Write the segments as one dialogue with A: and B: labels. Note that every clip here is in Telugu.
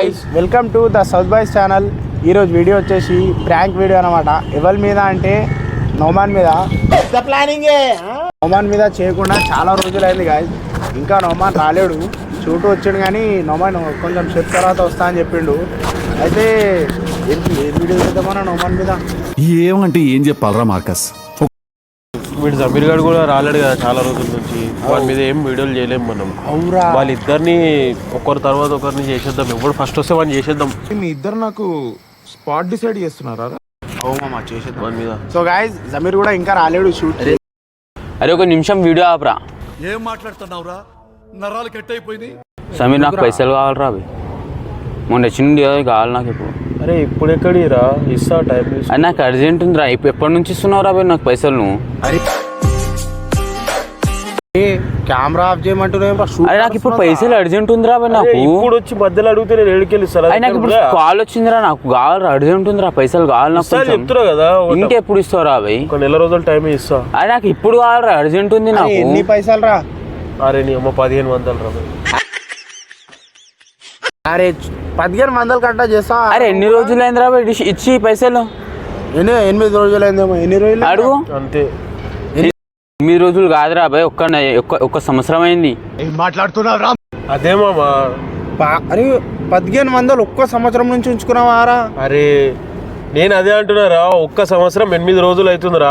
A: guys, welcome to the South Boys channel. ఈరోజు వీడియో వచ్చేసి ప్రాంక్ వీడియో అనమాట. ఎవరి మీద అంటే నోమాన్ మీద. నోమాన్ మీద చేయకుండా చాలా రోజులైంది గాయస్. ఇంకా నోమాన్ రాలేడు, షూట్ వచ్చాడు కానీ నోమాన్ కొంచెం సేపు తర్వాత వస్తా అని చెప్పిండు. అయితే ఏం వీడియో చేద్దామన్నా నోమాన్ మీద?
B: ఏమంటే ఏం చెప్పాలరా మార్కస్?
C: వీడు జమీర్ గారు కూడా రాలేడు కదా చాలా రోజుల నుంచి. వాడి మీద ఏం వీడియోలు చేయలేము మనం.
A: అవురా,
C: వాళ్ళిద్దరిని ఒకరి తర్వాత ఒకరిని చేసేద్దాం. ఎవరు ఫస్ట్ వస్తే వాడిని చేసేద్దాం.
D: మీ ఇద్దరు నాకు స్పాట్ డిసైడ్ చేస్తున్నారా?
A: అవుమా చేసేద్దాం
C: వాడి మీద.
A: సో గాయస్, జమీర్ కూడా ఇంకా రాలేడు షూట్.
E: అరే ఒక నిమిషం వీడియో ఆపరా.
B: ఏం మాట్లాడుతున్నావురా? నరాలు కట్ అయిపోయింది.
E: సమీర్ నాకు పైసలు కావాలరా అవి. మొన్న చిన్న కావాలి నాకు ఇప్పుడు.
C: అరే ఇప్పుడు ఎక్కడిరా? ఇస్తా టైం.
E: అది నాకు అర్జెంట్ ఉందిరా. ఎప్పటి నుంచి ఇస్తున్నావురా అవి నాకు పైసలు నువ్వు?
A: అరే కెమెరా ఆఫ్ చేయమంటున్నా.
E: అరే నాకు ఇప్పుడు పైసలు అర్జెంట్ ఉందిరా అవి నాకు.
C: ఇప్పుడు వచ్చి మధ్యలో అడిగితే నేను ఏడుకెళ్ళి ఇస్తాను.
E: నాకు ఇప్పుడు కాల్ వచ్చిందిరా, నాకు కావాలరా, అర్జెంట్ ఉందిరా, పైసలు కావాలి నాకు.
C: చెప్తున్నా కదా,
E: ఇంకెప్పుడు ఇస్తావురా అవి?
C: ఒక నెల రోజుల టైం ఇస్తా.
E: అది నాకు ఇప్పుడు కావాలరా, అర్జెంట్ ఉంది నాకు.
A: ఎన్ని పైసలు రా?
C: అరే నీ అమ్మ 1500 రా.
A: అరే 1500 కట్టా చేస్తా.
E: అరే ఎన్ని రోజులు అయిందిరా ఇచ్చి పైసలు?
A: 8 రోజులైందేమో. ఎన్ని రోజులు
E: అడుగు.
C: అంతే.
E: 8 రోజులు కాదురా అబ్బాయి, ఒక్క సంవత్సరం అయింది.
D: మాట్లాడుతున్నావు?
C: అదే మామా.
A: అరే 1500 ఒక్క సంవత్సరం నుంచి ఉంచుకున్నావారా?
C: అరే నేను అదే అంటున్నారా, ఒక్క సంవత్సరం 8 రోజులు అవుతుందిరా.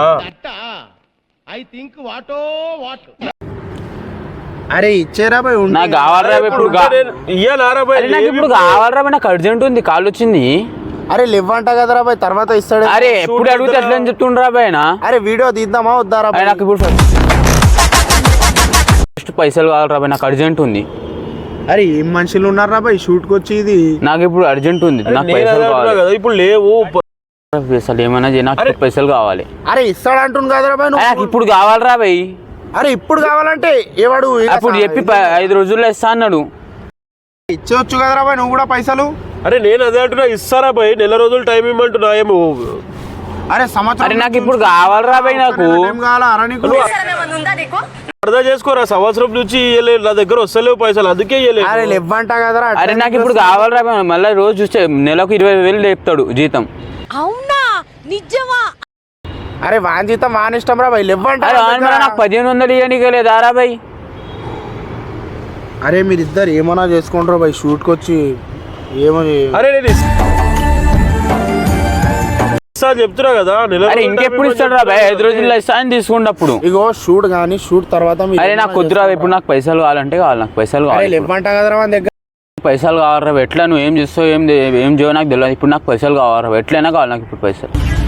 A: అరే ఇచ్చేరా బాయ్.
E: నాకు కావాలరా ఇప్పుడు, నాకు ఇప్పుడు కావాలరా బాయ్, నాకు అర్జెంట్ ఉంది, కాల్ వచ్చింది.
A: అరే లేవంట కదరా బాయ్, తర్వాత ఇస్తాడు.
E: అరే ఎప్పుడు అడిగితే ఎట్లా అని చెప్తుండ్రా బాయ్.
A: అరే వీడియో తీద్దామా వద్దారా బాయ్?
E: నాకు ఇప్పుడు ఫస్ట్ పైసలు కావాలరా బాయ్, నాకు అర్జెంట్ ఉంది.
A: అరే ఏం మనుషులు ఉన్నారా బాయ్ షూట్కి వచ్చి? ఇది
E: నాకు ఇప్పుడు అర్జెంట్ ఉంది, నాకు పైసలు కావాలి.
C: ఇప్పుడు లేవు
E: అసలు ఏమన్నా నాకు పైసలు కావాలి.
A: అరే ఇస్తాడు అంటుంది కదరా బాయ్.
E: నాకు ఇప్పుడు కావాలరా బాయ్.
A: అరే ఇప్పుడు కావాలంటే ఏవాడు
E: అప్పుడు చెప్పి 5 రోజుల్లో ఇస్తా అన్నాడు.
A: ఇచ్చేవచ్చు కదరా బాయ్ నువ్వు కూడా పైసలు.
C: అరే నేను అదే అంటున్నా, ఇస్తారా బాయ్? నెల రోజులు టైం ఇవ్వమంటున్నా ఏమో.
A: అరే సంవత్సరం.
E: అరే నాకు ఇప్పుడు కావాలరా బాయ్, నాకు
C: అర్థం చేసుకోరా. సంవత్సరం నుంచి ఇవ్వలేదు, నా దగ్గర వస్తలేవు పైసలు, అందుకే ఇవ్వలేదు.
A: అరే లేవంట కదరా.
E: అరే నాకు ఇప్పుడు కావాలరా బాయ్. మళ్ళీ రోజు చూస్తే నెలకు 20,000 లేపుతాడు జీతం.
F: అవునా? నిజమా?
A: అరే వాన్ జీతం వాన్ ఇష్టం రా బాయ్. లేవంట.
E: నాకు 1500 ఇవ్వనీకే లేదారా బాయ్?
A: అరే మీరిద్దరు ఏమన్నా చేసుకుంటారు బాయ్ షూట్కి వచ్చి. ఏమో.
C: అరే నేను ఇస్తా చెప్తున్నా కదా.
E: అరే ఇంకెప్పుడు ఇస్తాడు రా బాయ్? 5 రోజుల్లో ఇస్తా అని తీసుకున్నప్పుడు.
A: ఇగో షూట్ కానీ షూట్ తర్వాత.
E: అరే నాకు కుదురా ఇప్పుడు, నాకు పైసలు కావాలంటే కావాలి, నాకు పైసలు కావాలి.
A: లేవంట కదరా మన దగ్గర.
E: పైసలు కావాలరా. ఎట్లా నువ్వు ఏం చేస్తావు ఏం చేయవు నాకు తెలియదు. ఇప్పుడు నాకు పైసలు కావాలరా, ఎట్లయినా కావాలి నాకు ఇప్పుడు పైసలు.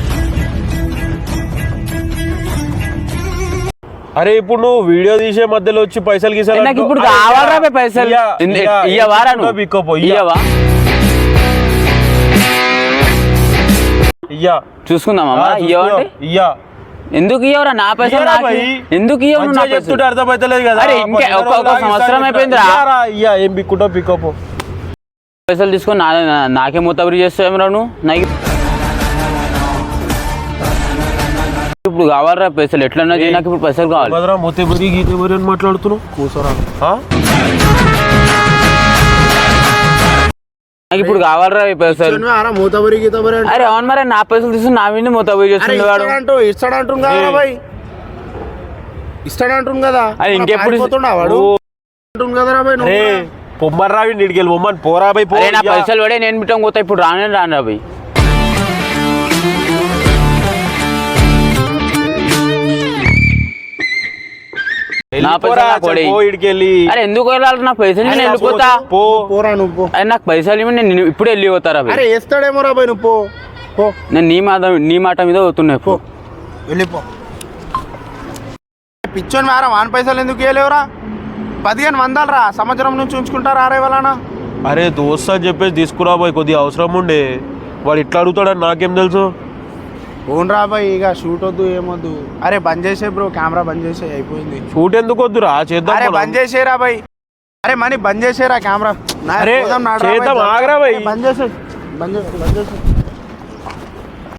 C: అరే ఇప్పుడు నువ్వు వీడియో తీసే మధ్యలో వచ్చి పైసలు గీసాలి.
E: నాకు ఇప్పుడు కావాలరా బాయ్ పైసలు. ఇయ్యవారా నువ్వు? ఇయ్యవా? చూసుకుందామా? ఇయ్యవంటే
C: ఇయ్యా.
E: ఎందుకు ఇయ్యవరా నా పైసలు? ఎందుకు ఇయ్యవు నా పైసలు?
C: అర్థమైతలేదు కదా.
E: అరే ఇంకా ఒక సంవత్సరం అయిపోయిందిరా.
C: ఇయ్యా ఏం బిక్కుంటో పికప్.
E: పైసలు తీసుకొని నాకే మూతబరి చేస్తావేమరా నువ్వు? నాకు ఇప్పుడు కావాలరా పైసలు, ఎట్లన్నా చేయి, నాకు ఇప్పుడు పైసలు కావాలి.
C: మాట్లాడుతున్నావు కూసరా?
E: నాకు ఇప్పుడు కావాలరా పైసలు. అరే అవును మరి, నా పైసలు తీసుకుని నా మీద మూతబరి చేస్తున్నాడు.
A: ఇస్తాడంటు కదా బాయ్, ఇస్తాడంటు కదా.
E: అది ఇంకెప్పుడు
A: వాడు కదరా బాయ్.
C: పొమ్మర్రా నీడికెళ్ళి పొమ్మని పోరా బాయ్.
E: నా పైసలు పడే నేను బిట్టం పోతా. ఇప్పుడు రాను బాయ్. అరే ఎందుకు వెళ్ళాలి? నా పైసలు నేను వెళ్ళిపోతా. అరే నాకు పైసలు ఇవ్వండి, నేను ఇప్పుడు వెళ్ళిపోతారా?
A: అరే వేస్తాడేమో రా బాయ్, నువ్వు పో.
E: నేను నీ మాట మీద పోతున్నాయి. పో
A: వెళ్ళిపో. పిచ్చోని వారా, వాన్ పైసలు ఎందుకు ఇవ్వలేవురా? 1500 రా, సంవత్సరం నుంచి ఉంచుకుంటారా అరే వాళ్ళనా?
C: అరే దోస్త్ అని చెప్పేసి తీసుకురా బాయ్, కొద్దిగా అవసరం ఉండే. వాడు ఇట్లా అడుగుతాడని నాకేం తెలుసు?
A: ఓన్ రా బాయ్, ఇక షూట్ వద్దు ఏమొద్దు. అరే బంద్ చేసే బ్రో, కెమెరా బంద్ చేసే, అయిపోయింది.
C: షూట్ ఎందుకు వద్దురా, చేద్దాం.
A: అరే బంద్ చేసేరా బాయ్. అరే మనీ బంద్ చేసేరా కెమెరా.
C: చేద్దాం, ఆగరా బాయ్.
A: బంద్ చేసే.